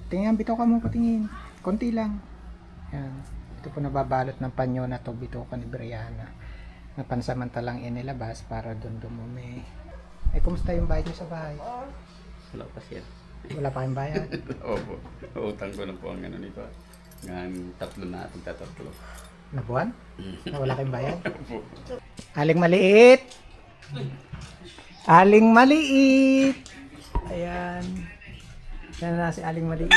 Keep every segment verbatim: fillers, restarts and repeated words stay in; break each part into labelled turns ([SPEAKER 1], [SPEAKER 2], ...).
[SPEAKER 1] Tingnan, bitaw ka mo patingin. Konti lang. Yan. Ito po nababalot ng panyo na to, bitaw ka ni Brianna. Na pansamantalang inilabas para doon dumumi. Ay, kumusta yung bayad niyo sa bahay?
[SPEAKER 2] Wala pa siya.
[SPEAKER 1] Wala pa kayong bayad?
[SPEAKER 2] Opo. Utang ko na po ang ano nito. Ngayon, tatlo na ating tatatlo.
[SPEAKER 1] Na buwan? Na wala kayong bayad?
[SPEAKER 2] Opo.
[SPEAKER 1] Aling maliit! Aling maliit! Ayan. Yan na si Aling maliit.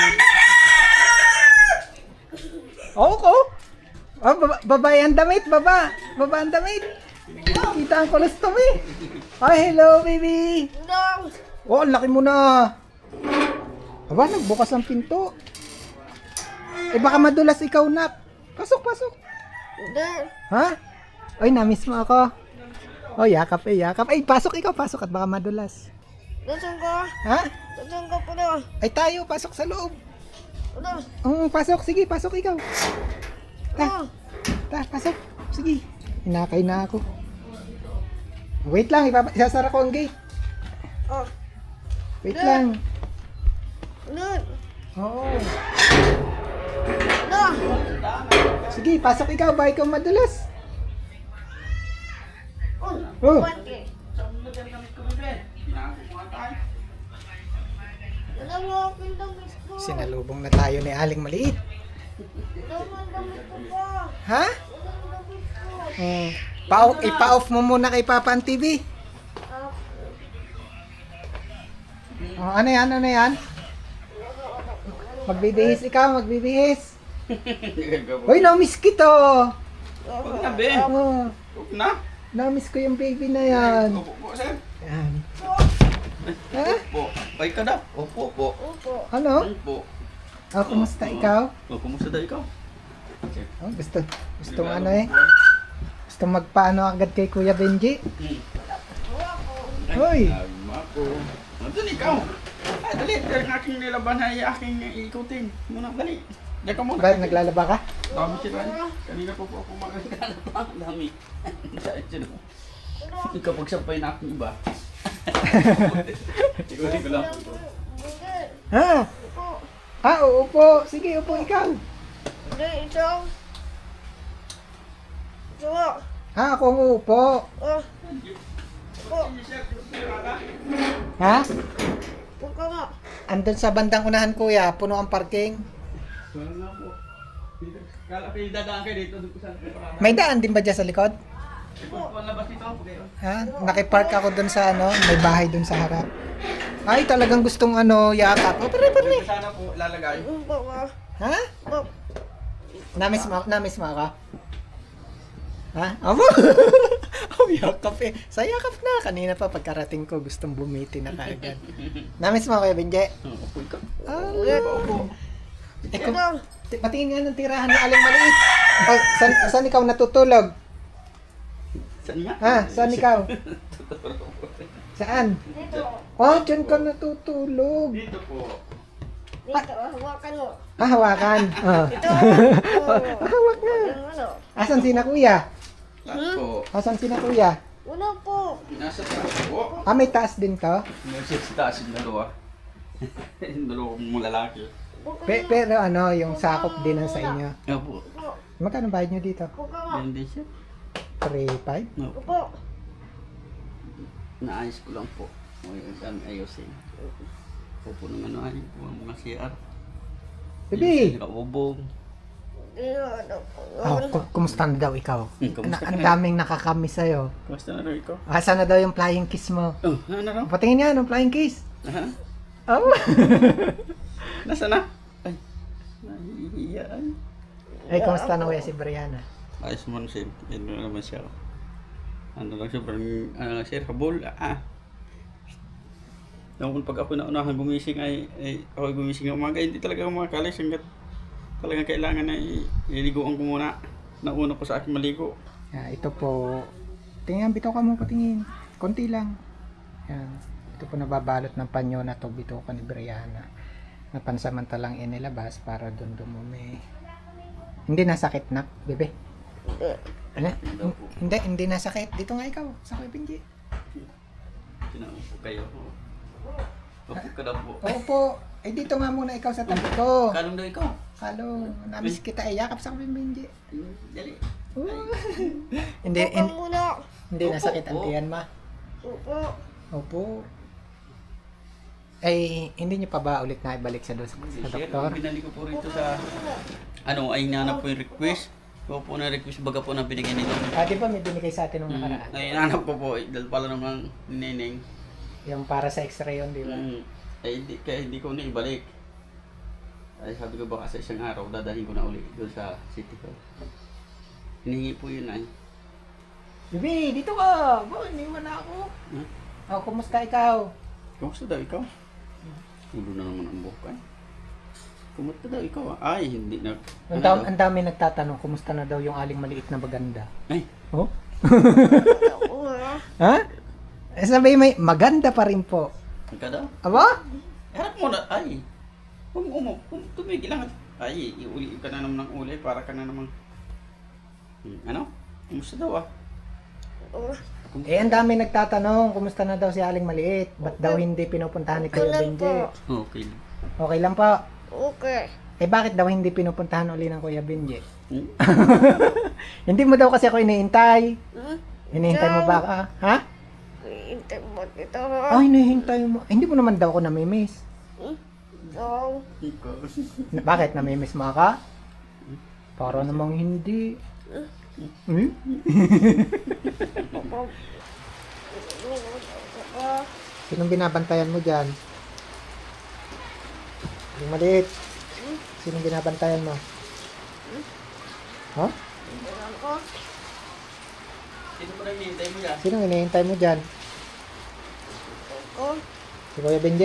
[SPEAKER 1] Oo ko! Oh, baba, babae ang damit! Baba! Baba ang damit! Kita ang colostomy! Oh, hello baby!
[SPEAKER 3] No!
[SPEAKER 1] Oh, ang laki mo na! Aba, nagbukas ang pinto. Eh, baka madulas ikaw na. Pasok, pasok.
[SPEAKER 3] Hindi.
[SPEAKER 1] Ha? Oy, namiss mo ako. Oh, yakap eh, yakap. Ay, pasok ikaw, pasok at baka madulas.
[SPEAKER 3] Nasaan ka?
[SPEAKER 1] Ha?
[SPEAKER 3] Nasaan ka pala?
[SPEAKER 1] Ay, tayo, pasok sa loob.
[SPEAKER 3] Ano?
[SPEAKER 1] Um, pasok, sige, pasok ikaw. Ta,
[SPEAKER 3] Ano?
[SPEAKER 1] ta, pasok. Sige. Hinakay na ako. Wait lang, ipapa- isasara ko ang gate.
[SPEAKER 3] Oh.
[SPEAKER 1] Wait lang.
[SPEAKER 3] Ano?
[SPEAKER 1] Oo.
[SPEAKER 3] Ano?
[SPEAKER 1] Sige, pasok ikaw, baka ikaw madulas.
[SPEAKER 3] Oh.
[SPEAKER 1] Oh.
[SPEAKER 3] Pati. Alam mo aking damit ko.
[SPEAKER 1] Sinalubong na tayo ni Aling Maliit.
[SPEAKER 3] Alam mo ang damit ko pa.
[SPEAKER 1] Ha?
[SPEAKER 3] Alam mo ang damit ko.
[SPEAKER 1] Hmm. Pa- ipa-off mo muna kay Papa ang T V.
[SPEAKER 3] Ah,
[SPEAKER 1] Oh, ano yan? Ano yan? Magbibihis ikaw, magbibihis. Hoy, na-miss kita.
[SPEAKER 2] Huwag na, be.
[SPEAKER 1] Oh,
[SPEAKER 2] Huwag na.
[SPEAKER 1] na-miss ko yung baby na yan.
[SPEAKER 2] Opo po, sir.
[SPEAKER 1] Yan. Ha?
[SPEAKER 2] Opo. Ay ka na. Opo po.
[SPEAKER 3] Opo.
[SPEAKER 1] Ano?
[SPEAKER 2] Opo.
[SPEAKER 1] Oh, kumusta ikaw?
[SPEAKER 2] O, kumusta daw ikaw?
[SPEAKER 1] Oh, gusto, gusto ano eh. Gusto magpaano agad kay Kuya Benji. Hoy.
[SPEAKER 2] Nagma ko. Nandun ikaw. Ay, dali. Dali ang aking nilaban ay aking ikutin. Muna, dali. Dali ka muna.
[SPEAKER 1] Bakit naglalaba ka?
[SPEAKER 2] Dami sila. Kanina po po ako makakala. Dami. Saan sila? Ikaw pagsampay na akong iba. Siguro ko lang.
[SPEAKER 3] Hindi.
[SPEAKER 1] Ha?
[SPEAKER 3] Opo.
[SPEAKER 1] Ah, oo po. Sige, upo ikaw.
[SPEAKER 3] Hindi, ikaw. Ikaw.
[SPEAKER 1] Ha, ako ang uupo.
[SPEAKER 3] Oh. Opo.
[SPEAKER 1] Ha?
[SPEAKER 3] Huwag ka nga.
[SPEAKER 1] Andun sa bandang unahan, kuya. Puno ang parking.
[SPEAKER 2] Wala nga po. Kala kayo dadaan kayo dito. Doon ko saan kayo parada.
[SPEAKER 1] May daan din ba dyan sa likod?
[SPEAKER 2] Kung labas dito ako kayo.
[SPEAKER 1] Ha? Nakipark ako dun sa ano, may bahay dun sa harap. Ay, talagang gustong ano, yakap. Oh, pare, pare.
[SPEAKER 2] Dito sana po lalagay.
[SPEAKER 3] Opo ka.
[SPEAKER 1] Ha?
[SPEAKER 3] Opo.
[SPEAKER 1] Namiss mo, namiss mo ako? Ha? Amo? Oh, yakap eh. Sa yakap na. Kanina pa pagkarating ko, gustong bumiti na kaagad. Namiss mo Kuya Benji?
[SPEAKER 2] Opo ikaw.
[SPEAKER 1] Ah,
[SPEAKER 2] Opo.
[SPEAKER 1] eh, kung,
[SPEAKER 3] Ikaw.
[SPEAKER 1] ti- patingin nga ng tirahan ni Aling Maliit. Oh, saan, saan ikaw natutulog?
[SPEAKER 2] Saan nga?
[SPEAKER 1] Ha? Saan ikaw? Saan?
[SPEAKER 3] Dito.
[SPEAKER 1] Oh, dyan ka natutulog.
[SPEAKER 2] Dito po.
[SPEAKER 3] Dito. Hawakan mo.
[SPEAKER 1] Ah, hawakan. Oh.
[SPEAKER 3] Ito.
[SPEAKER 1] Ah, hawak na.
[SPEAKER 3] Yung ano?
[SPEAKER 1] Asan si na kuya?
[SPEAKER 2] Lahat po.
[SPEAKER 1] Asan si na kuya?
[SPEAKER 3] Wala po.
[SPEAKER 2] Nasa taas po.
[SPEAKER 1] Ah, may taas din to?
[SPEAKER 2] Nasa sa taas yung dalawa. Yung dalawa mong lalaki.
[SPEAKER 3] Huwag ka
[SPEAKER 1] Pe-
[SPEAKER 3] nga.
[SPEAKER 1] pero ano, yung sakop din ang sa inyo.
[SPEAKER 2] Opo.
[SPEAKER 3] Opo.
[SPEAKER 1] Magkano bayad nyo dito?
[SPEAKER 3] Huwag ka nga.
[SPEAKER 2] Yan din siya.
[SPEAKER 1] three five?
[SPEAKER 2] Opo.
[SPEAKER 3] Opo.
[SPEAKER 2] Naayos ko lang po. Ngayon saan ayusin. Opo ng ano ay po ang mga C R.
[SPEAKER 1] Bibi!
[SPEAKER 2] Nakaubog.
[SPEAKER 3] Dito. Ano po.
[SPEAKER 1] Oh, ku- kumusta na daw ikaw?
[SPEAKER 2] Hmm, kumusta
[SPEAKER 1] Na-
[SPEAKER 2] ka
[SPEAKER 1] ang
[SPEAKER 2] na?
[SPEAKER 1] daming nakakamiss sa'yo.
[SPEAKER 2] Kamusta na rin ikaw?
[SPEAKER 1] Asa na daw yung flying kiss mo?
[SPEAKER 2] Oh, ano raw?
[SPEAKER 1] Patingin nga, anong flying kiss?
[SPEAKER 2] Aha.
[SPEAKER 1] Oh!
[SPEAKER 2] Nasa na? Ay. Nahihiyaan.
[SPEAKER 1] Ay, kumusta na kuya si Brianna?
[SPEAKER 2] Ayos mo na siya. Yan na naman siya. Ano lang siya, parang, ano lang siya, habol. Ah. Noong pag ako naunahan gumising ay, ay ako gumising ng umaga, hindi talaga ako makakalis hanggat talagang kailangan na i- iliguan ko muna. Nauna ko sa aking maligo.
[SPEAKER 1] Ah, ito po. Tingnan, bitaw ka mo patingin. Konti lang. Yan. Ito po nababalot ng panyo na to, bitaw ka ni Brianna. Na pansamantalang inilabas para doon dumumi. Hindi nasakit na, bebe? Ano? Hindi, hindi nasakit. Dito nga ikaw, sa Kuya Benji.
[SPEAKER 2] Tinawag ko kayo. Opo ka na po.
[SPEAKER 1] Opo. Eh, dito nga muna ikaw sa tabi ko.
[SPEAKER 2] Kalong daw ikaw.
[SPEAKER 1] Halo, namiss kita eh. Yakap sa akin, Benji.
[SPEAKER 2] Hmm, Dali.
[SPEAKER 1] Hindi,
[SPEAKER 3] Upo ka
[SPEAKER 1] hin-
[SPEAKER 3] muna.
[SPEAKER 1] hindi nasakit ang
[SPEAKER 2] Opo.
[SPEAKER 1] tiyan, ma.
[SPEAKER 3] Upo.
[SPEAKER 1] Opo. Ay, hindi niyo pa ba ulit na ibalik sa, dos- sa
[SPEAKER 2] Sir,
[SPEAKER 1] doktor?
[SPEAKER 2] binalik ko po rito sa... Ano, ay nanap po yung request. Ko po na request baga po na binigyan nito.
[SPEAKER 1] Ah, di ba may binigay sa atin nung
[SPEAKER 2] Mm,
[SPEAKER 1] nakaraan?
[SPEAKER 2] ay nanap ko po, eh, dahil pala naman nineng.
[SPEAKER 1] Yung para sa x-ray yun, di ba?
[SPEAKER 2] Mm, ay hindi, kaya hindi ko na ibalik. Ay sabi ko baka sa isang araw, dadahin ko na uli doon sa city ko. Hinihingi po yun ay.
[SPEAKER 1] Bibi, dito ka! Ba, iniwan na ako.
[SPEAKER 2] Hmm?
[SPEAKER 1] Oh, kumusta ikaw?
[SPEAKER 2] Kumusta daw ikaw? Ulo na naman ang buhok ay. Kumusta daw ikaw? ah? Ay, hindi na.
[SPEAKER 1] Ang,
[SPEAKER 2] ano
[SPEAKER 1] dam,
[SPEAKER 2] daw?
[SPEAKER 1] ang dami nagtatanong, kumusta na daw yung aling maliit na baganda?
[SPEAKER 2] Ay,
[SPEAKER 1] Oh?
[SPEAKER 3] Upo na.
[SPEAKER 1] Ha? Eh, sabi may maganda pa rin po.
[SPEAKER 2] ikaw daw?
[SPEAKER 1] Aba?
[SPEAKER 2] Harap mo na, ay. Kung umo, kung tumigil lang. Ay, iuli ka na naman ng uli para ka na naman. Hmm, ano? Kumusta daw ah?
[SPEAKER 3] Upo.
[SPEAKER 2] Kumusta?
[SPEAKER 1] Eh, ang dami nagtatanong, kumusta na daw si aling maliit? Ba't daw hindi pinupuntahan ni
[SPEAKER 3] Ito
[SPEAKER 1] Kuya
[SPEAKER 3] lang po.
[SPEAKER 1] Benji?
[SPEAKER 2] Okay.
[SPEAKER 1] Okay lang po.
[SPEAKER 3] Okay.
[SPEAKER 1] Eh, bakit daw hindi pinupuntahan uli ng Kuya Benji?
[SPEAKER 2] Hmm?
[SPEAKER 1] Hindi mo daw kasi ako inihintay.
[SPEAKER 3] Hmm?
[SPEAKER 1] Hinihintay mo ba ka? Ha?
[SPEAKER 3] Hintay mo dito.
[SPEAKER 1] Ay, hinihintay mo. Eh, hindi mo naman daw ako namimiss.
[SPEAKER 3] Hmm? So,
[SPEAKER 2] Ikaw.
[SPEAKER 1] Na- Bakit? Namimiss mo ka? Para namang hindi. Hmm?
[SPEAKER 3] upo. Upo.
[SPEAKER 1] Sinong binabantayan mo dyan? Yung maliit. Sinong binabantayan mo? Ha?
[SPEAKER 3] Dito lang ko.
[SPEAKER 2] Sino pa rin hinihintay mo yan?
[SPEAKER 1] Sinong hinihintay mo dyan?
[SPEAKER 3] Upo.
[SPEAKER 1] Si Kuya Benji?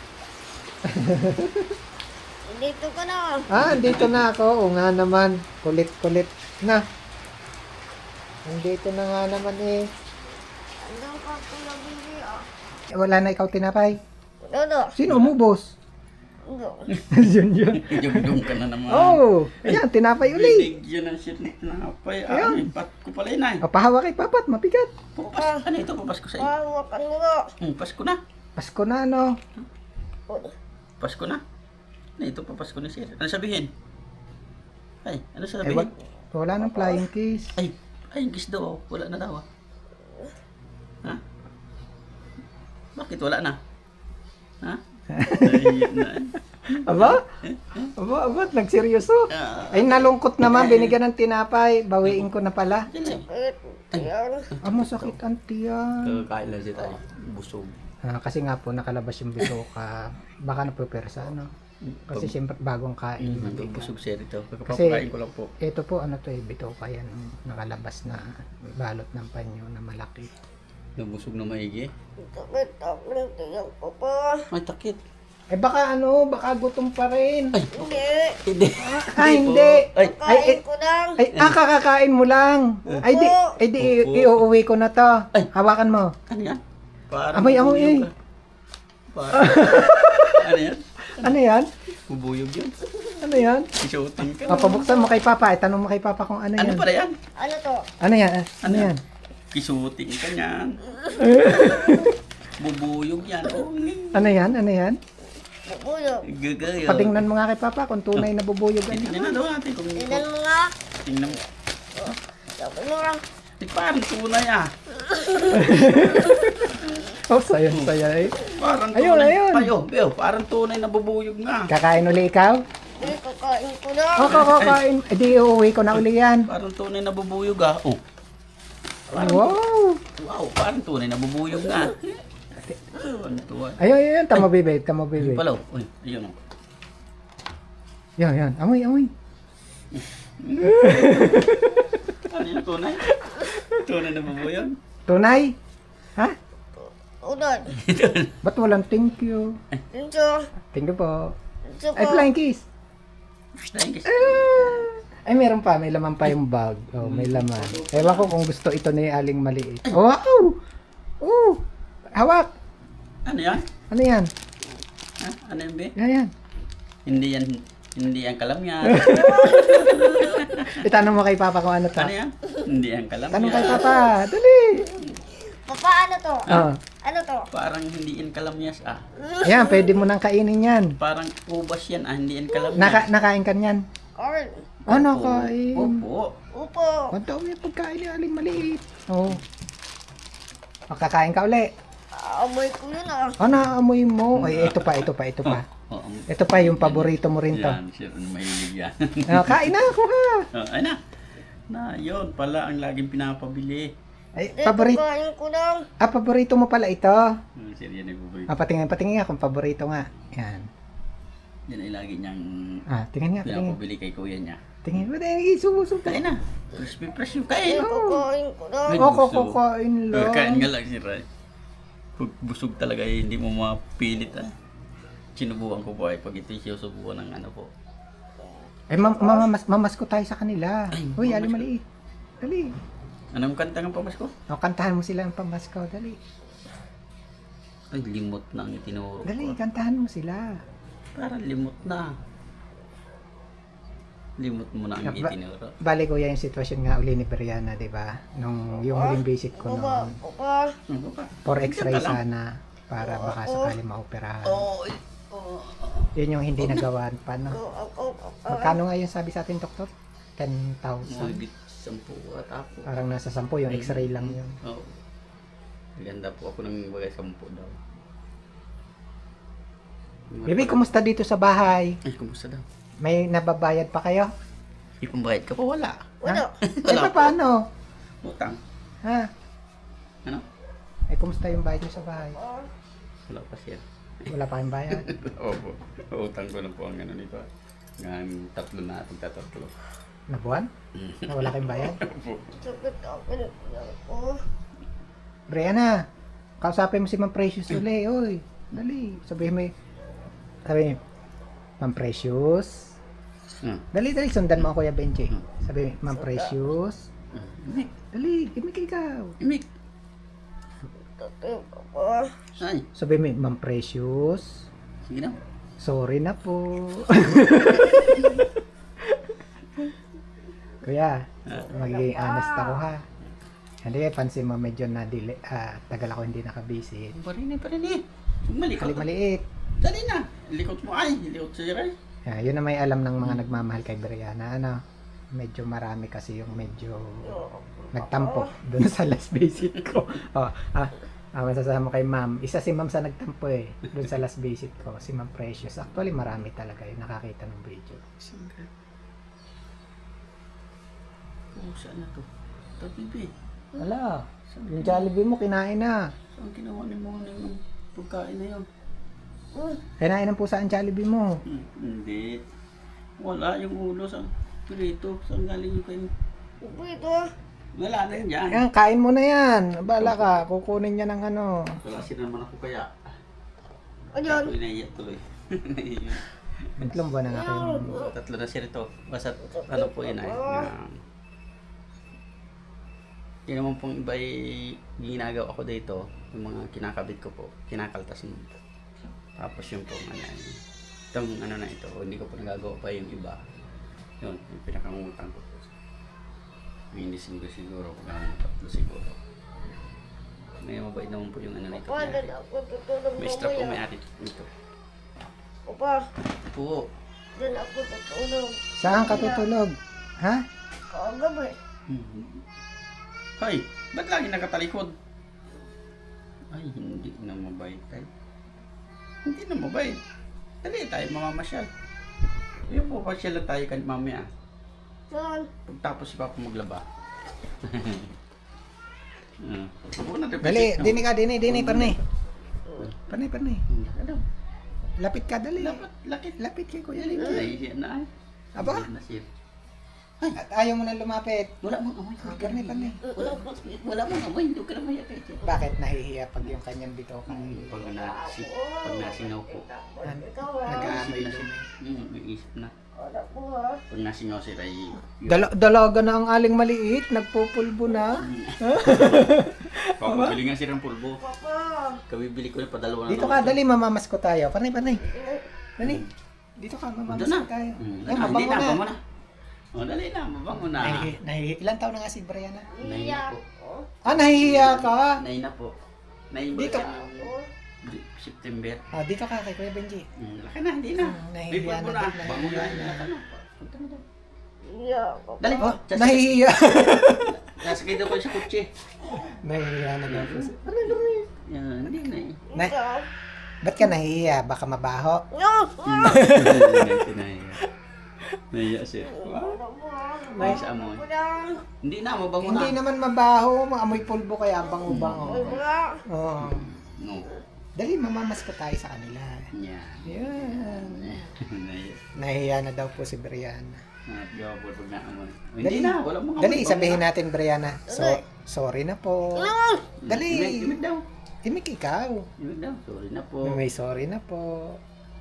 [SPEAKER 3] Dito ka na.
[SPEAKER 1] Ah, andito na ako. O nga naman. Kulit-kulit na. Andito na nga naman eh.
[SPEAKER 3] Anong ka kula bili ah?
[SPEAKER 1] Eh, wala na ikaw tinapay.
[SPEAKER 3] Dodo.
[SPEAKER 1] Sino umubos?
[SPEAKER 3] Dodo.
[SPEAKER 1] yun yun.
[SPEAKER 2] Jugdong ka na naman.
[SPEAKER 1] Oh, ayan, tinapay uli.
[SPEAKER 2] Binigyan ng shit na tinapay.
[SPEAKER 1] Ayan.
[SPEAKER 2] Ah, may pat ko pala yun ay.
[SPEAKER 1] O, pahawa kay papat, mabigat.
[SPEAKER 2] Papas, ano ito? Papasko sa iyo.
[SPEAKER 3] Hawakan mo na.
[SPEAKER 2] Hmm, Pasko na.
[SPEAKER 1] Pasko na, ano?
[SPEAKER 2] Pasko na. Ano ito? Papasko na siya. Ano sabihin? Ay, ano
[SPEAKER 1] Eh,
[SPEAKER 2] sabihin?
[SPEAKER 1] wag, wala nang flying kiss.
[SPEAKER 2] Ay, ay, yung kiss daw. oh. Wala na daw ah. Ha? Bakit wala na? Ha? Ay, yun na.
[SPEAKER 1] Aba? Aba, aba, nagseryoso.
[SPEAKER 2] Ah,
[SPEAKER 1] Ay, nalungkot naman, binigyan ng tinapay. Bawiin ko na pala.
[SPEAKER 2] dali.
[SPEAKER 3] Sakit. Yan.
[SPEAKER 1] Ah, masakit ang tiyan.
[SPEAKER 2] Kakain lang siya tayo. Busog.
[SPEAKER 1] Ah, kasi nga po, nakalabas yung bitoka. Baka napupersa, ano? Kasi siyempre, bagong kain.
[SPEAKER 2] Mm, busog siya rito.
[SPEAKER 1] Kasi-
[SPEAKER 2] Kakapakain ko lang po.
[SPEAKER 1] Ito po, ano to eh, bitoka yan. Nakalabas na balot ng panyo na malaki.
[SPEAKER 2] Nabusog na maigi.
[SPEAKER 3] Sakit ang tiyan ko pa.
[SPEAKER 2] Ay, takit.
[SPEAKER 1] Eh baka ano, baka gutom pa rin.
[SPEAKER 2] Ay,
[SPEAKER 3] Hindi.
[SPEAKER 2] hindi.
[SPEAKER 1] Ah, hindi.
[SPEAKER 2] Ay,
[SPEAKER 3] Kain ko lang.
[SPEAKER 1] Ay, ah, kakakain mo lang. Ay, di, ay, di, i-
[SPEAKER 2] Opo.
[SPEAKER 1] iuuwi ko na to.
[SPEAKER 2] Ay.
[SPEAKER 1] Hawakan mo.
[SPEAKER 2] ano yan? Parang
[SPEAKER 1] Abay, ako
[SPEAKER 2] bubuyog
[SPEAKER 1] eh.
[SPEAKER 2] ka. Parang, ano yan?
[SPEAKER 1] Ano yan?
[SPEAKER 2] Bubuyog yun.
[SPEAKER 1] Ano yan?
[SPEAKER 2] Isuotin ka.
[SPEAKER 1] Ah, pabuksan mo kay Papa. Itanong mo kay Papa kung ano
[SPEAKER 2] Ano
[SPEAKER 1] yan.
[SPEAKER 2] pala yan?
[SPEAKER 3] Ano to?
[SPEAKER 1] Ano yan? Ah, Ano yan?
[SPEAKER 2] Kisuting ka niyan. Bubuyog yan. Oh,
[SPEAKER 1] Ano yan? Ano yan?
[SPEAKER 3] Bubulog.
[SPEAKER 2] gagayo.
[SPEAKER 1] Patingnan mo nga kay Papa kung tunay na bubuyog
[SPEAKER 2] Ay,
[SPEAKER 1] yan.
[SPEAKER 2] tingnan daw natin kung
[SPEAKER 3] Tingnan mo nga.
[SPEAKER 2] tingnan mo.
[SPEAKER 3] Sabi mo lang.
[SPEAKER 2] Ay, parang tunay ah.
[SPEAKER 1] Oh, saya, saya eh.
[SPEAKER 2] Parang
[SPEAKER 1] Ayun,
[SPEAKER 2] tunay.
[SPEAKER 1] ayun.
[SPEAKER 2] Ay, oh, Beo, parang tunay na bubuyog nga.
[SPEAKER 1] Kakain uli ikaw?
[SPEAKER 3] Hindi, kakain ko lang.
[SPEAKER 1] Oo, oh, kakain. Eh di iuwi ko na uli yan.
[SPEAKER 2] Parang tunay na bubuyog ah. Oh.
[SPEAKER 1] Wow.
[SPEAKER 2] Wow, parang tunay na bubuyog nga. Ano tuwa?
[SPEAKER 1] Ayun, ayun, ayun. Tama, baby. Tama, baby.
[SPEAKER 2] Ayun pala. oh. Uy, ayun oh.
[SPEAKER 1] Yan, yan. Amoy, amoy.
[SPEAKER 2] Ano yung tunay? Tunay na bubuyog?
[SPEAKER 1] Tunay? Ha?
[SPEAKER 3] Ulan.
[SPEAKER 1] Ba't walang thank you?
[SPEAKER 3] Dito.
[SPEAKER 1] Thank you po.
[SPEAKER 3] Dito
[SPEAKER 1] Ay,
[SPEAKER 3] ko.
[SPEAKER 1] flying kiss.
[SPEAKER 2] Thank you.
[SPEAKER 1] Ay, meron pa. May laman pa yung bag. Oh, may laman. Ewan ko kung gusto ito ni Aling maliit. Wow! Oh! Hawak!
[SPEAKER 2] Ano yan?
[SPEAKER 1] Ano yan?
[SPEAKER 2] Ha? Ano yan, Be?
[SPEAKER 1] Yan, yan.
[SPEAKER 2] Hindi yan, hindi yan kalam yan.
[SPEAKER 1] Itanong mo kay Papa kung ano to.
[SPEAKER 2] Ano yan? Hindi yan kalam
[SPEAKER 1] Tanong kay
[SPEAKER 2] yan.
[SPEAKER 1] Papa. Dali!
[SPEAKER 3] Papa, ano to?
[SPEAKER 1] Oh.
[SPEAKER 3] Ano to?
[SPEAKER 2] Parang hindi yan kalamyas ah.
[SPEAKER 1] Ayan, pwede mo nang kainin yan.
[SPEAKER 2] Parang ubas yan ah, hindi yan kalamyas.
[SPEAKER 1] Naka, nakain ka niyan.
[SPEAKER 3] Corn.
[SPEAKER 1] Ano
[SPEAKER 2] Opo.
[SPEAKER 1] kain?
[SPEAKER 2] Opo.
[SPEAKER 3] Upo.
[SPEAKER 1] Ang dami yung pagkain ni Aling maliit. Oo. Makakain ka uli.
[SPEAKER 3] Amoy ko yun ah.
[SPEAKER 1] Ano, amoy mo? Ay, ito pa, ito pa, ito pa.
[SPEAKER 2] Oo.
[SPEAKER 1] Ito pa yung paborito mo rin to.
[SPEAKER 2] Yan, siya rin mahilig yan.
[SPEAKER 1] Ah, kain na ako ha.
[SPEAKER 2] Oh, ay na. Na, yun pala ang laging pinapabili.
[SPEAKER 1] Ay,
[SPEAKER 3] Dito
[SPEAKER 1] paborito.
[SPEAKER 3] kain ko lang.
[SPEAKER 1] Ah, paborito mo pala ito.
[SPEAKER 2] Hmm, siya yan nagbubuhay.
[SPEAKER 1] Ah, patingin, patingin nga kung paborito nga. Yan.
[SPEAKER 2] Yan ay lagi niyang
[SPEAKER 1] Ah, tingin nga, tingin.
[SPEAKER 2] pinapabili kay kuya niya.
[SPEAKER 1] Tingin mo, tingin, sumusok.
[SPEAKER 2] Kain na. Crispy fresh yung kain.
[SPEAKER 3] Dito kain ko lang.
[SPEAKER 2] Ay,
[SPEAKER 1] Oo,
[SPEAKER 2] gusto.
[SPEAKER 1] kukukain lang.
[SPEAKER 2] Kain nga lang si Ray. Pag busog talaga eh, hindi mo mapilit ah. Sinubukan ko po ay pag ito siya subukan ng ano po.
[SPEAKER 1] Eh, mam mamamas mamasko tayo sa kanila.
[SPEAKER 2] Ay,
[SPEAKER 1] Uy, Ali
[SPEAKER 2] mamasko.
[SPEAKER 1] maliit. Dali.
[SPEAKER 2] Anong kanta ng pamasko?
[SPEAKER 1] O, kantahan mo sila ng pamasko. Dali.
[SPEAKER 2] Ay, limot na ang itinuro
[SPEAKER 1] Dali,
[SPEAKER 2] ko.
[SPEAKER 1] kantahan mo sila.
[SPEAKER 2] Parang limot na. Limot mo na ang
[SPEAKER 1] Ba-
[SPEAKER 2] itinuro.
[SPEAKER 1] Bali ko yung sitwasyon nga uli ni Brianna, di ba? Nung yung huling visit ko
[SPEAKER 3] Upa.
[SPEAKER 1] noon.
[SPEAKER 3] Upa.
[SPEAKER 2] Ano ba?
[SPEAKER 1] For x-ray
[SPEAKER 2] Ganda lang.
[SPEAKER 1] sana. Para baka sakali maoperahan.
[SPEAKER 2] Oo. eh, oo.
[SPEAKER 1] Yun yung hindi nagawan pa, no?
[SPEAKER 3] Ako. Ako.
[SPEAKER 1] Magkano nga yung sabi sa atin, doktor? ten thousand.
[SPEAKER 2] Mahigit sampu at ako.
[SPEAKER 1] Parang nasa sampu, yung x-ray lang yun.
[SPEAKER 2] Oo. Maganda po ako ng bagay sampu daw.
[SPEAKER 1] Bibi, kumusta dito sa bahay?
[SPEAKER 2] Ay, kumusta daw?
[SPEAKER 1] May nababayad pa kayo?
[SPEAKER 2] Ipambayad ka pa? Wala.
[SPEAKER 3] Wala.
[SPEAKER 1] Eh,
[SPEAKER 2] Wala
[SPEAKER 1] pa, paano?
[SPEAKER 2] Utang.
[SPEAKER 1] Ha?
[SPEAKER 2] Ano?
[SPEAKER 1] Eh, kumusta yung bayad nyo sa bahay?
[SPEAKER 2] Wala pa siya.
[SPEAKER 1] Wala pa kayong bayad?
[SPEAKER 2] Opo. Utang ko na po ang ano nito. Ngayon tatlo na atong tatatlo.
[SPEAKER 1] Na buwan? Na wala kayong bayad?
[SPEAKER 3] Sakit ako na ako.
[SPEAKER 1] Brianna, kausapin mo si Ma'am Precious uli, oy. Dali, sabihin mo, y- sabi mo, Ma'am Precious.
[SPEAKER 2] Hmm.
[SPEAKER 1] Dali, dali, sundan mo ako, Kuya Benji. Sabi mo, Ma'am Precious.
[SPEAKER 2] Imik.
[SPEAKER 1] Dali, give me ikaw.
[SPEAKER 2] Imik.
[SPEAKER 3] Sakit ako.
[SPEAKER 2] Ay.
[SPEAKER 1] Sabi mo, Ma'am Precious.
[SPEAKER 2] Sige na.
[SPEAKER 1] Sorry na po. Kuya, magiging honest ako ha. Hindi, pansin mo medyo na delay, ah, tagal ako hindi nakabisit.
[SPEAKER 2] Parin eh, parin eh. Malikot.
[SPEAKER 1] Kali maliit.
[SPEAKER 2] Dali na. Likot mo ay. Likot sa Ray.
[SPEAKER 1] Ah, yun na may alam ng mga nagmamahal kay Brianna. Ano, medyo marami kasi yung medyo nagtampo doon sa last visit ko. Oh, ah, ah, masasama kay ma'am. Isa si ma'am sa nagtampo eh. Doon sa last visit ko. Si Ma'am Precious. Actually, marami talaga yung nakakita ng video.
[SPEAKER 2] Sangga. Oh, saan na to? Tabibi.
[SPEAKER 1] Wala. Yung Jollibee mo, kinain na.
[SPEAKER 2] Saan ginawa ni mo ng pagkain na yun?
[SPEAKER 1] Kinain ng pusa ang Jollibee mo.
[SPEAKER 2] Hmm, hindi. Wala yung ulo sa pirito. Saan galing yung kain?
[SPEAKER 3] Upo ito.
[SPEAKER 2] Wala na yun dyan.
[SPEAKER 1] Yan, kain mo na yan. Bala ka, kukunin niya ng ano.
[SPEAKER 2] Wala sila naman ako kaya.
[SPEAKER 3] Ayan.
[SPEAKER 2] Ako inaiyak tuloy.
[SPEAKER 1] Itlong buwan na nga kayo.
[SPEAKER 2] Tatlo na siya rito. Basta ano po yun ay. Na, yun naman pong iba ay ginagawa ko dito. Yung mga kinakabit ko po. Kinakaltas mo. Tapos yung pong ano ay. Itong ano na ito. Hindi ko po nagagawa pa yung iba. Yun. Yung pinakangutang ko po. May hindi siguro siguro. Kung ano tatlo siguro. May mabait naman po yung ano na ito.
[SPEAKER 3] Upa, dyan ako tutulog
[SPEAKER 2] May strap po may
[SPEAKER 3] mamaya.
[SPEAKER 2] ari ito.
[SPEAKER 3] Upa,
[SPEAKER 2] Po.
[SPEAKER 3] dyan ako tutulog.
[SPEAKER 1] Saan ka tutulog? Ha?
[SPEAKER 3] Kagabi.
[SPEAKER 2] Hmm. Ay, ba't lagi nakatalikod? Ay, hindi na mabait tayo. Hindi na mabait. Dali tayo mamamasyal. Yung po pasyal tayo kan mamaya.
[SPEAKER 3] Saan?
[SPEAKER 2] Pagtapos si Papa maglaba. uh,
[SPEAKER 1] Dali, dini ka, dini, dini, parni. Parni, parni.
[SPEAKER 2] Ano?
[SPEAKER 1] Lapit ka, dali.
[SPEAKER 2] Dapat lakit.
[SPEAKER 1] Lapit kay Kuya
[SPEAKER 2] Dali
[SPEAKER 1] Lito.
[SPEAKER 2] na. Nahihiya na ay.
[SPEAKER 1] Aba?
[SPEAKER 2] Nahihiya na siya.
[SPEAKER 1] At ayaw mo na lumapit.
[SPEAKER 2] Wala mong amoy.
[SPEAKER 1] Parni, parni.
[SPEAKER 2] Wala, wala mong amoy. Hindi ka na mayakit.
[SPEAKER 1] Bakit nahihiya pag yung kanyang bito ka?
[SPEAKER 2] Pag, nasi, pag nasingaw po.
[SPEAKER 3] Ikaw ha?
[SPEAKER 1] Nag-aamoy
[SPEAKER 2] na
[SPEAKER 1] na
[SPEAKER 2] siya. Hmm, may isip na.
[SPEAKER 3] Wala po ha?
[SPEAKER 2] Pag nasingaw sila ay...
[SPEAKER 1] Dala dalaga na ang aling maliit, nagpupulbo na.
[SPEAKER 2] Papabili nga silang pulbo.
[SPEAKER 3] Papa.
[SPEAKER 2] Kabibili ko na padalawa na.
[SPEAKER 1] Dito ka, dali, mamamasko tayo. Parni, parni. Dali. Dito ka,
[SPEAKER 2] Doon na.
[SPEAKER 1] mamamasko tayo.
[SPEAKER 2] Hmm,
[SPEAKER 1] Ay,
[SPEAKER 2] ah, hindi
[SPEAKER 1] mabango
[SPEAKER 2] na,
[SPEAKER 1] na.
[SPEAKER 2] mabango na. O, dali na, mabango na.
[SPEAKER 1] Nahihi, nahihi. Ilan taon na nga si Brianna?
[SPEAKER 2] Naina po.
[SPEAKER 1] Ah, nahihiya ka.
[SPEAKER 2] Naina po. Naiba
[SPEAKER 1] Dito.
[SPEAKER 2] siya ng September.
[SPEAKER 1] Ah, dito ka kay Kuya Benji.
[SPEAKER 2] Hmm, laki na, hindi na.
[SPEAKER 1] Hmm,
[SPEAKER 2] May
[SPEAKER 1] nahihiya
[SPEAKER 2] pulbo
[SPEAKER 1] na
[SPEAKER 2] na.
[SPEAKER 1] din,
[SPEAKER 2] Bango na.
[SPEAKER 1] nahihiya na.
[SPEAKER 2] Ano? Punta mo doon.
[SPEAKER 3] Iya ako.
[SPEAKER 2] Dali
[SPEAKER 1] Oh,
[SPEAKER 2] Just-
[SPEAKER 1] nahihiya.
[SPEAKER 2] Nasakay daw ko sa kutsi.
[SPEAKER 1] Nahihiya na daw po. si-
[SPEAKER 2] Yan, hindi na eh.
[SPEAKER 1] Na-
[SPEAKER 3] Ikaw.
[SPEAKER 1] Ba't ka nahihiya? Baka mabaho.
[SPEAKER 3] No!
[SPEAKER 2] Nahiya. Nahiya siya.
[SPEAKER 3] May
[SPEAKER 2] Nice amoy.
[SPEAKER 3] Walang.
[SPEAKER 2] Hindi na, mabango na.
[SPEAKER 1] Hindi naman mabaho. Maamoy pulbo kaya bango-bango.
[SPEAKER 3] Wala.
[SPEAKER 1] Oo.
[SPEAKER 2] No.
[SPEAKER 1] Dali, mamamas ko tayo sa kanila.
[SPEAKER 2] Yan.
[SPEAKER 1] Yan.
[SPEAKER 2] Nahiya.
[SPEAKER 1] Nahihiya na daw po si Brianna.
[SPEAKER 2] Nagabot pag naamoy.
[SPEAKER 1] Dali.
[SPEAKER 2] Hindi na, wala mga
[SPEAKER 1] Dali, sabihin natin, Brianna. So, sorry na po. Dali.
[SPEAKER 2] Imik, imik daw.
[SPEAKER 1] Imik ikaw.
[SPEAKER 2] Imik daw. Sorry na po.
[SPEAKER 1] May sorry na po.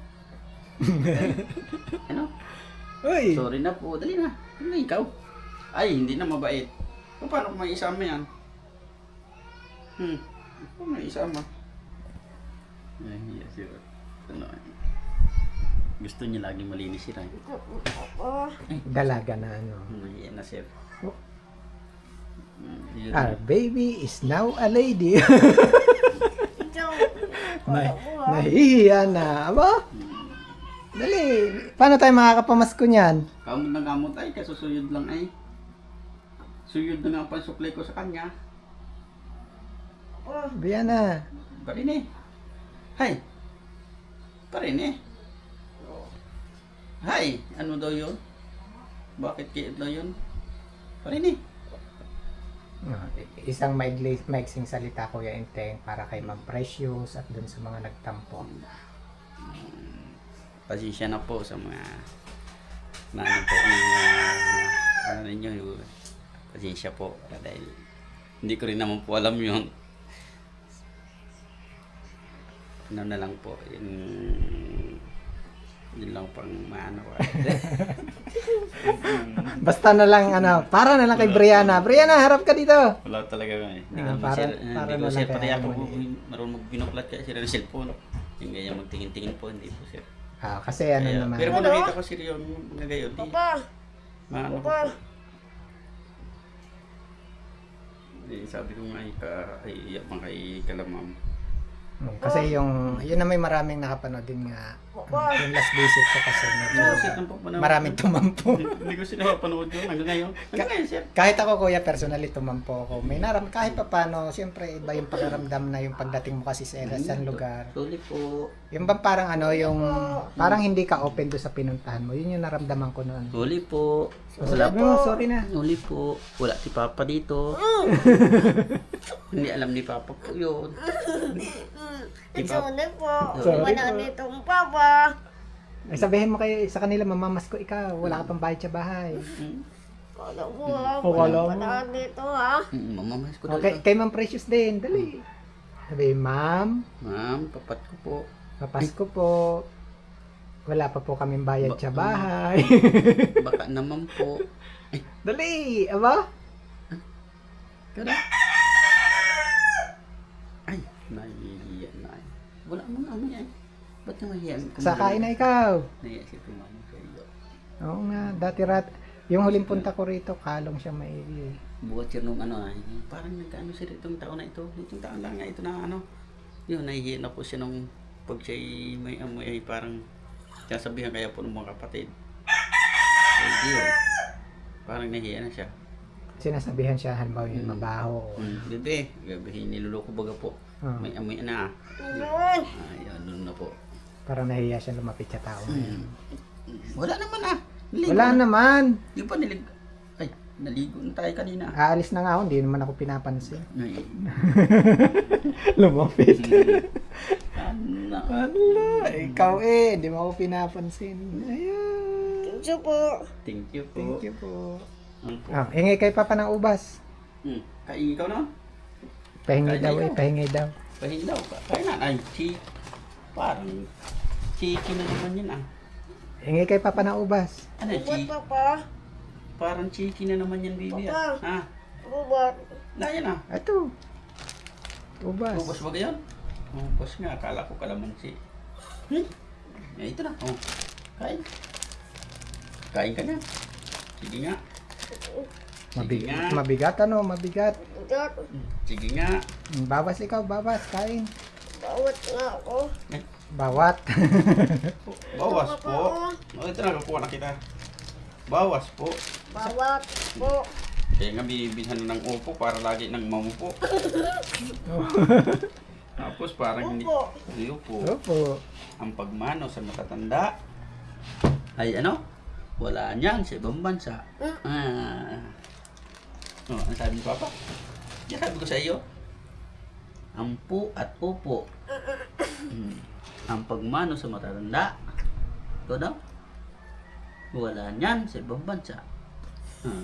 [SPEAKER 2] Ano?
[SPEAKER 1] Uy!
[SPEAKER 2] Sorry na po. Dali na. Dali na ikaw. Ay, hindi na mabait. O, paano kung may isama yan? Hmm. Paano may isama? Ay, yes, sir. Ano? Gusto niya laging malinis sila. Eh.
[SPEAKER 3] Ako.
[SPEAKER 1] Dalaga na ano.
[SPEAKER 2] Nahiya na, sir.
[SPEAKER 1] Oh.
[SPEAKER 2] Hmm, yun.
[SPEAKER 1] Our baby is now a lady.
[SPEAKER 3] Ikaw.
[SPEAKER 1] Nah nahihiya na. Aba?
[SPEAKER 2] Hmm.
[SPEAKER 1] Dali. Paano tayo makakapamasko niyan?
[SPEAKER 2] Kamot na kamot ay, kasusuyod lang ay. Suyod na nga ang pansuklay ko sa kanya.
[SPEAKER 3] Oh.
[SPEAKER 1] Brianna.
[SPEAKER 2] Parin eh. Hay. Parin eh. Hay. Ano daw yun? Bakit kiit daw yun? Parin eh.
[SPEAKER 1] Ah, isang maigli, maigsing salita, Kuya Enteng, para kay Ma'am Precious at dun sa mga nagtampo.
[SPEAKER 2] Pasensya na po sa mga na ano po ng uh, ano ninyo yung pasensya po dahil hindi ko rin naman po alam yun. Ano na lang po yun, yun lang pang maano ko.
[SPEAKER 1] Basta na lang, ano, para na lang kay Brianna. Brianna, harap ka dito.
[SPEAKER 2] Wala talaga eh. Hindi
[SPEAKER 1] Ah,
[SPEAKER 2] ko
[SPEAKER 1] para-
[SPEAKER 2] share,
[SPEAKER 1] para
[SPEAKER 2] hindi ko
[SPEAKER 1] na lang
[SPEAKER 2] share
[SPEAKER 1] kaya
[SPEAKER 2] pati ako
[SPEAKER 1] naman
[SPEAKER 2] po marunong magbinuklat kaya sila ng cellphone. Yung ganyan magtingin-tingin po hindi po sir.
[SPEAKER 1] Ah, kasi ano
[SPEAKER 2] Kaya,
[SPEAKER 1] naman.
[SPEAKER 2] pero kung nakita ko sir yun na gayon di
[SPEAKER 3] Papa.
[SPEAKER 2] maano ko
[SPEAKER 3] Papa.
[SPEAKER 2] po. Eh, sabi ko nga, ka, ay, iyak man kay kalamam.
[SPEAKER 1] Hmm, Kasi yung, yun na may maraming nakapanood din nga.
[SPEAKER 3] Papa.
[SPEAKER 1] Yung last visit ko kasi medyo
[SPEAKER 2] Sir, tampo pa naman.
[SPEAKER 1] maraming tumampo.
[SPEAKER 2] Hindi ko sila mapanood yun hanggang ngayon. Hanggang ngayon, sir.
[SPEAKER 1] Kahit ako, Kuya, personally tumampo ako. May naram, kahit pa paano, siyempre iba yung pagkaramdam na yung pagdating mo kasi sa isang lugar.
[SPEAKER 2] Sorry po.
[SPEAKER 1] Yung bang parang ano, yung parang hindi ka open do sa pinuntahan mo. Yun yung naramdaman ko noon.
[SPEAKER 2] Sorry po.
[SPEAKER 1] So,
[SPEAKER 2] Wala
[SPEAKER 1] sabi mo, sorry na.
[SPEAKER 2] Sorry po. Wala si Papa dito. Hindi alam ni Papa po yun. Di ba?
[SPEAKER 3] Sorry po.
[SPEAKER 1] Sorry
[SPEAKER 3] Wala
[SPEAKER 1] po.
[SPEAKER 3] ditong papa.
[SPEAKER 1] Ay, sabihin mo kayo sa kanila, mamamas ko ikaw. Wala ka pang bayad sa bahay.
[SPEAKER 2] Hmm?
[SPEAKER 3] Wala po ha.
[SPEAKER 1] Oh, wala mo.
[SPEAKER 3] Wala dito ha.
[SPEAKER 2] Mm, Mamamas ko daw.
[SPEAKER 1] Okay, kay Ma'am Precious din. Dali. Sabi, Ma'am,
[SPEAKER 2] Ma'am, papat ko po.
[SPEAKER 1] papasko po. Wala pa po kaming bayad
[SPEAKER 2] Ba-
[SPEAKER 1] sa bahay.
[SPEAKER 2] Baka naman po. Ay,
[SPEAKER 1] Dali, aba?
[SPEAKER 2] kada. Ay, nahihiya na. Wala mo na amoy ay. Ba't na mahihiya?
[SPEAKER 1] Sakain na ikaw.
[SPEAKER 2] Nahihiya si Tumano kayo.
[SPEAKER 1] Oo nga, dati rat. Yung huling punta ko rito, kalong siya maigi.
[SPEAKER 2] Buhat siya nung ano ay, parang nagkaano siya itong taon na ito. Itong taon lang nga ito na ano. Yun, nahihiya na po siya nung pag siya may amoy ay parang sasabihan kaya po ng mga kapatid. Ay, di yun. Parang nahihiya na siya.
[SPEAKER 1] Sinasabihan siya, halimbawa yung
[SPEAKER 2] Hmm.
[SPEAKER 1] mabaho.
[SPEAKER 2] Hmm, bebe, gabihin niluloko baga po.
[SPEAKER 1] Ah,
[SPEAKER 2] May amoy na.
[SPEAKER 3] Yun.
[SPEAKER 2] Ay, ano na po.
[SPEAKER 1] parang nahiya siya lumapit sa tao.
[SPEAKER 2] Hmm. Wala naman ah. Naligo
[SPEAKER 1] Wala
[SPEAKER 2] na.
[SPEAKER 1] naman.
[SPEAKER 2] Yung pa nilig... Ay, naligo na tayo kanina.
[SPEAKER 1] Aalis na nga ako, hindi naman ako pinapansin.
[SPEAKER 2] Ay,
[SPEAKER 1] Lumapit.
[SPEAKER 2] ano.
[SPEAKER 1] Ala, ikaw eh, hindi mo ako pinapansin. Ayan.
[SPEAKER 3] Thank you po.
[SPEAKER 2] Thank you po.
[SPEAKER 1] Thank you po.
[SPEAKER 2] Ano po?
[SPEAKER 1] Ah, ingay kay Papa ng ubas.
[SPEAKER 2] Hmm. Kain ikaw na?
[SPEAKER 1] Pahingi
[SPEAKER 2] Kaya
[SPEAKER 1] daw eh,
[SPEAKER 2] ikaw.
[SPEAKER 1] pahingi daw.
[SPEAKER 2] Pahin daw. Kain na. Ay, chi... Parang... Chiki na naman yun ah.
[SPEAKER 1] Ingay kay Papa ng ubas.
[SPEAKER 2] Ano,
[SPEAKER 3] Bubat
[SPEAKER 2] chi...
[SPEAKER 3] papa.
[SPEAKER 2] Parang chiki na naman yan, baby ah. Ha?
[SPEAKER 3] Bubat.
[SPEAKER 2] Na yan ah.
[SPEAKER 1] Ito. Ubas.
[SPEAKER 2] Ubus ba gayon? Oh, ubus nga. Akala ko kalamansi. Hmm? Eh, ito na. Oh. Kain. Kain ka na. Sige nga.
[SPEAKER 1] Mabig
[SPEAKER 2] nga.
[SPEAKER 1] mabigat ano, mabigat.
[SPEAKER 3] Dot.
[SPEAKER 2] Sige nga.
[SPEAKER 1] Mm, Bawas ikaw, bawas, kain.
[SPEAKER 3] Bawat nga ako.
[SPEAKER 1] Bawat.
[SPEAKER 2] Bawas po. Oh, ito na, kukuha na kita. Bawas po.
[SPEAKER 3] Bawat po.
[SPEAKER 2] Kaya nga binibilhan ng upo para lagi nang mamupo. Tapos parang hindi.
[SPEAKER 3] Upo.
[SPEAKER 2] Ay, upo.
[SPEAKER 1] Opo.
[SPEAKER 2] Ang pagmano sa matatanda ay ano? Wala niyan sa ibang bansa. Ah. Oh, ano sabi ni Papa? Yan sabi ko sa iyo. Ampu at upo. Hmm. Ang pagmano sa matatanda. Ito daw. Wala niyan sa ibang bansa. Ah.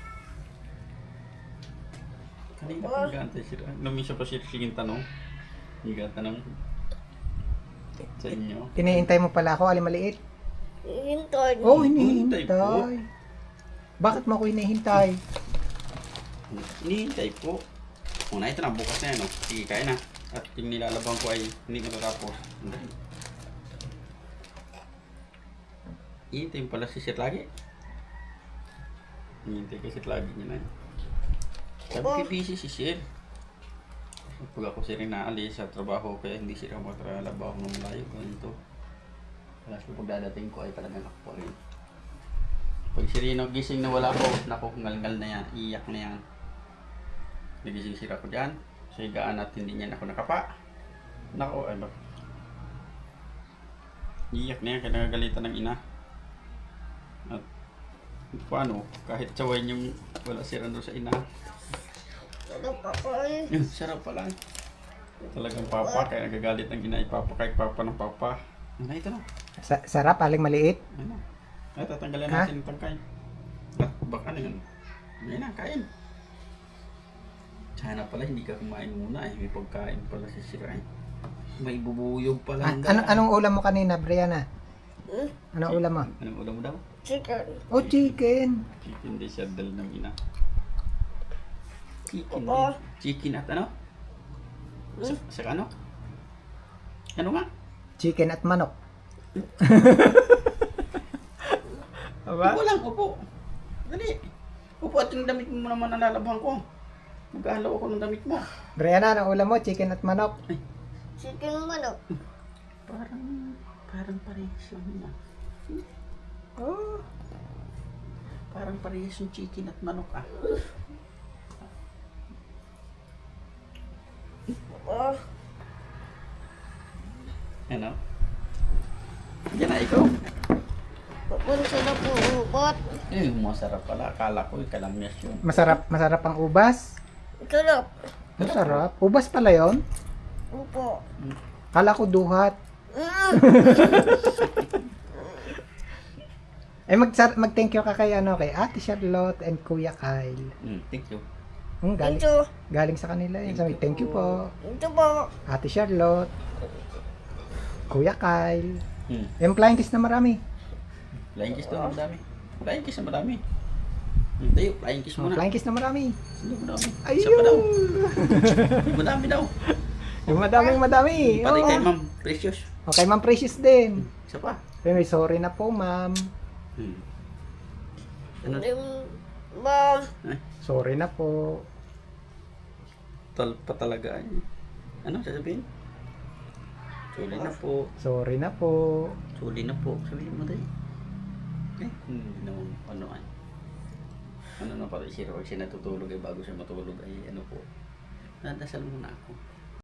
[SPEAKER 2] Kanina pa nag-aantay sila. Namisa pa siya siging tanong. Nag-atanong sa inyo.
[SPEAKER 1] Hinihintay mo pala ako, alin maliit.
[SPEAKER 3] Hintay.
[SPEAKER 1] Oh,
[SPEAKER 2] Hinihintay po.
[SPEAKER 1] hinihintay. Bakit mo ako hinihintay?
[SPEAKER 2] Hinihintay po. Una, ito na, bukas na yan, oh. Sige, kaya na. At yung nilalabang ko ay hindi matatapos. Hinihintay mo pala si Sir lagi. Hinihintay kay Sir lagi niya na yun. Sabi ko, busy si Sir. Pag ako sir naalis sa trabaho, kaya hindi sila matrabaho ng malayo. Ganito. Kaya sa pagdadating ko ay talagang ako pa rin. Pag sirino gising na wala ko, naku, ngal-ngal na yan, iyak na yan. Nagising sila ko dyan, sa higaan at hindi niya ako nakapa. Naku, ay ba? Iyak na yan, kaya nagagalitan ng ina. At paano, kahit sawayin yung wala sira doon sa ina.
[SPEAKER 3] Ano pa ko eh.
[SPEAKER 2] Yun, sarap pala. Talagang papa, kaya nagagalit ng ina, ipapa kahit papa ng papa. Ano ito na?
[SPEAKER 1] Sa sarap, aling maliit.
[SPEAKER 2] Ano? Ay, tatanggalin
[SPEAKER 1] Ha?
[SPEAKER 2] natin yung tangkay. At baka na yun. Yan na, kain. Sana pala hindi ka kumain muna eh. May pagkain pala si Sira eh. May bubuyog pala.
[SPEAKER 1] Ah,
[SPEAKER 2] ang
[SPEAKER 1] ano,
[SPEAKER 2] daan.
[SPEAKER 1] anong ulam mo kanina, Brianna?
[SPEAKER 3] Hmm?
[SPEAKER 1] Anong ulam mo?
[SPEAKER 2] Anong ulam mo daw?
[SPEAKER 3] Chicken.
[SPEAKER 1] Oh, chicken.
[SPEAKER 2] Chicken de sardal ng ina. Chicken
[SPEAKER 3] Oo.
[SPEAKER 2] eh. Chicken at ano? Sa, sa ano? Ano nga?
[SPEAKER 1] Chicken at manok.
[SPEAKER 2] Upo lang, upo. Dali. Upo at yung damit mo naman nalalabhan ko. Mag-aalaw ako ng damit mo.
[SPEAKER 1] Brianna, anong ulam mo? Chicken at manok.
[SPEAKER 3] Chicken manok.
[SPEAKER 2] Parang, parang parehas lang yun ah.
[SPEAKER 1] Oh.
[SPEAKER 2] Parang parehas yung chicken at manok ah.
[SPEAKER 3] Oh.
[SPEAKER 2] Ano? Yan na ikaw.
[SPEAKER 3] Papunta na po ubot.
[SPEAKER 2] Eh, masarap pala. Akala ko yung kalamyas yun.
[SPEAKER 1] Masarap, masarap ang ubas.
[SPEAKER 3] Sarap.
[SPEAKER 1] Masarap. Ubas pala yon.
[SPEAKER 3] Upo.
[SPEAKER 1] Kala ko duhat.
[SPEAKER 3] Mm.
[SPEAKER 1] Eh mag mag thank you ka kay ano kay Ate Charlotte and Kuya Kyle.
[SPEAKER 2] Mm, thank you.
[SPEAKER 1] Hmm, galing,
[SPEAKER 3] Ito.
[SPEAKER 1] galing sa kanila yun. Sabi, thank you po.
[SPEAKER 3] Ito po.
[SPEAKER 1] Ate Charlotte. Kuya Kyle.
[SPEAKER 2] Mm.
[SPEAKER 1] Yung flying kiss na marami.
[SPEAKER 2] Flying kiss daw, madami. Flying kiss na madami. Mm, tayo, flying kiss
[SPEAKER 1] Oh,
[SPEAKER 2] muna.
[SPEAKER 1] flying kiss na marami.
[SPEAKER 2] Hindi madami. Isa pa daw.
[SPEAKER 1] Ayun.
[SPEAKER 2] Madami daw.
[SPEAKER 1] Yung madaming madami.
[SPEAKER 2] Pati
[SPEAKER 1] Oo.
[SPEAKER 2] kay Ma'am Precious.
[SPEAKER 1] Okay, Ma'am Precious din.
[SPEAKER 2] Isa pa.
[SPEAKER 1] Pero sorry na po, Ma'am.
[SPEAKER 2] Hmm. Ano?
[SPEAKER 3] Yung ba.
[SPEAKER 2] Ay,
[SPEAKER 1] Sorry na po.
[SPEAKER 2] tal pa talaga. eh. Ano sasabihin? Suli na po.
[SPEAKER 1] Sorry na po.
[SPEAKER 2] Suli na po. Sabihin mo tayo. Eh, hindi naman ano ay. Ano na pala siya, pag siya natutulog ay bago siya matulog ay ano po. Nadasal muna ako.